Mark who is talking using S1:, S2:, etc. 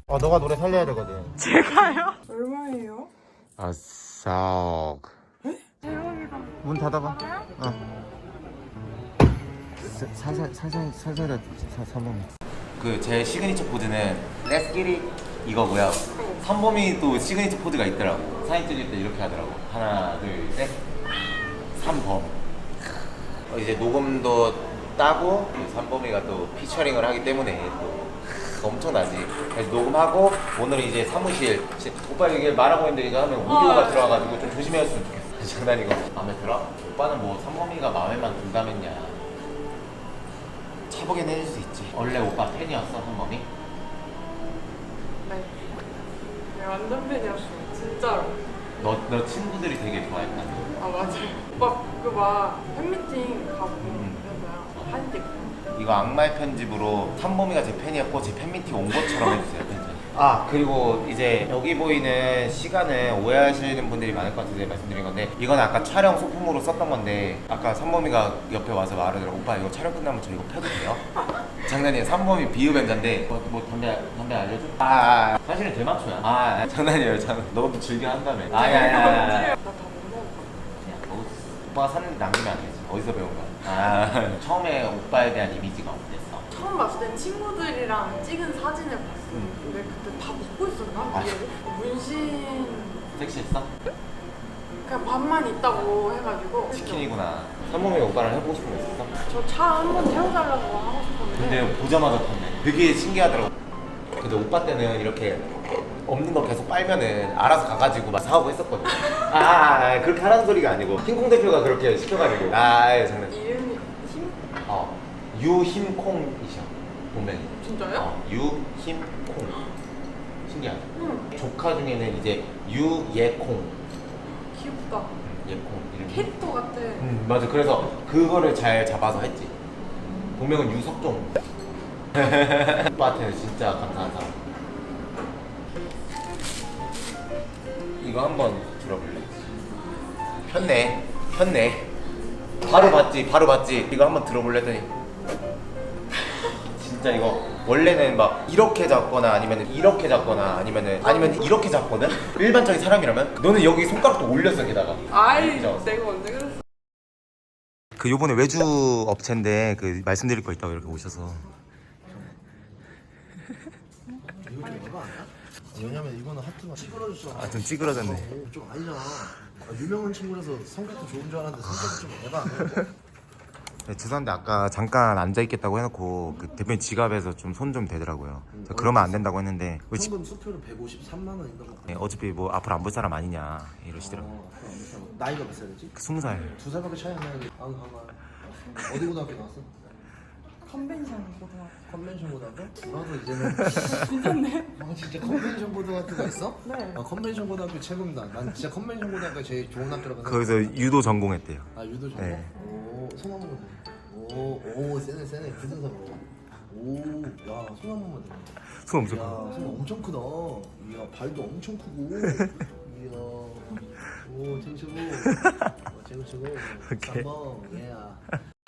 S1: 너가 노래 살려야 되거든.
S2: 제가요? 얼마예요?
S1: 아싸.
S2: 대박이다.
S1: 문 닫아봐. 살살 3번. 그 제 시그니처 포즈는 Let's get it 이거고요. 삼범이 또 시그니처 포즈가 있더라고. 사진 찍을 때 이렇게 하더라고. 하나, 둘, 셋. 3범. 이제 녹음도 따고 삼범이가 또 피처링을 하기 때문에 또 엄청나지. 그래서 녹음하고 오늘 이제 사무실 오빠 이게 말하고 있는데 이거 하면 오디오가 들어와가지고 좀 조심해줬으면 좋겠어. 장난이고. 마음에 들어? 오빠는 뭐 삼범이가 마음에만 든다면야 차보긴 해줄 수 있지. 원래 오빠 팬이었어 삼범이?
S2: 네. 네, 완전 팬이었어. 진짜로.
S1: 너 친구들이 되게 좋아했다.
S2: 아, 맞아요. 오빠 그 막 팬미팅 가고 그랬어요. 사진 찍고.
S1: 이거 악마의 편집으로 삼범이가 제 팬이었고 제 팬미팅 온 것처럼 해주세요. 편집. 그리고 이제 여기 보이는 시간은 오해하시는 분들이 많을 것 같아서 말씀드린 건데 이건 아까 촬영 소품으로 썼던 건데 아까 삼범이가 옆에 와서 말하더라고. 오빠 이거 촬영 끝나면 저 이거 펴도 돼요? 장난이에요. 삼범이 비흡연자인데 뭐 담배 알려줘? 사실은 대마초야. 장난이에요. 너도 즐겨 한다며.
S2: 나다 못 먹었거든.
S1: 오빠가 샀는데 남기면 안 되지. 어디서 배운 거야? 처음에 오빠에 대한 이미지가 어땠어?
S2: 처음 봤을 땐 친구들이랑 찍은 사진을 봤어. 근데 그때 다 먹고 있었나? 문신
S1: 섹시했어?
S2: 그냥 밥만 있다고 해가지고
S1: 치킨이구나. 삼범이가 오빠랑 해보고 싶은 거 있었어?
S2: 저 차 한번 태워달라고 하고 싶었는데
S1: 근데 보자마자 탔네. 되게 신기하더라고. 근데 오빠 때는 이렇게 없는 거 계속 빨면은 알아서 가가지고 막 사오고 했었거든. 그렇게 하라는 소리가 아니고 흰콩 대표가 그렇게 시켜가지고 장난.
S2: 이름이 힘?
S1: 유힘콩이셔 본명이.
S2: 진짜요?
S1: 유힘콩. 신기하죠?
S2: 응.
S1: 조카 중에는 이제 유예콩.
S2: 귀엽다.
S1: 예콩 이름이.
S2: 캐릭터 같아.
S1: 맞아. 그래서 그거를 잘 잡아서 했지. 본명은 유석종. 오빠한테는 진짜 감사한 사람. 이거 한번 들어볼래? 편네. 바로 봤지. 이거 한번 들어볼래 했더니 진짜 이거 원래는 막 이렇게 잡거나 아니면 이렇게 잡거나 아니면 이렇게 잡거든? 일반적인 사람이라면 너는 여기 손가락도 올렸어 게다가.
S2: 아이,
S1: 진짜.
S2: 내가 언제 그랬어?
S1: 그 요번에 외주 업체인데 그 말씀드릴 거 있다고 이렇게 오셔서.
S3: 이거 좀 에바 아니야? 왜냐면 이거는 하트가 찌그러졌어.
S1: 좀 찌그러졌네.
S3: 좀 아니잖아. 유명한 친구라서 성격도 좋은 줄 알았는데 성격이 좀 에바 아니야?
S1: 네, 죄송한데 아까 잠깐 앉아있겠다고 해놓고 그 대표님 지갑에서 좀 손 좀 대더라고요. 그러면 안 된다고 했는데
S3: 현금 수표는 153만 원인가 봐.
S1: 네, 어차피 뭐 앞으로 안 볼 사람 아니냐 이러시더라고요.
S3: 나이가 몇 살이지?
S1: 20살.
S3: 2살밖에 차이 안 나는데. 어디 고등학교 나왔어?
S2: 컨벤션 고등학교.
S3: 컨벤션 고등학교? 나도 이제는
S2: 진짜네?
S3: 진짜 컨벤션 고등학교가 있어?
S2: 네.
S3: 컨벤션 고등학교 최고입니다. 난 진짜 컨벤션 고등학교 제일 좋은 학교라고 생각해.
S1: 거기서 유도 전공했대요.
S3: 유도 전공?
S1: 네.
S3: 손 한 번만 대. 오, 세네. 무슨 사람? 야, 손 한 번만 대.
S1: 손 엄청
S3: 이야,
S1: 커.
S3: 손 엄청 크다. 이야, 발도 엄청 크고. 이야, 오, 최고.
S1: 오케이.
S3: 3번,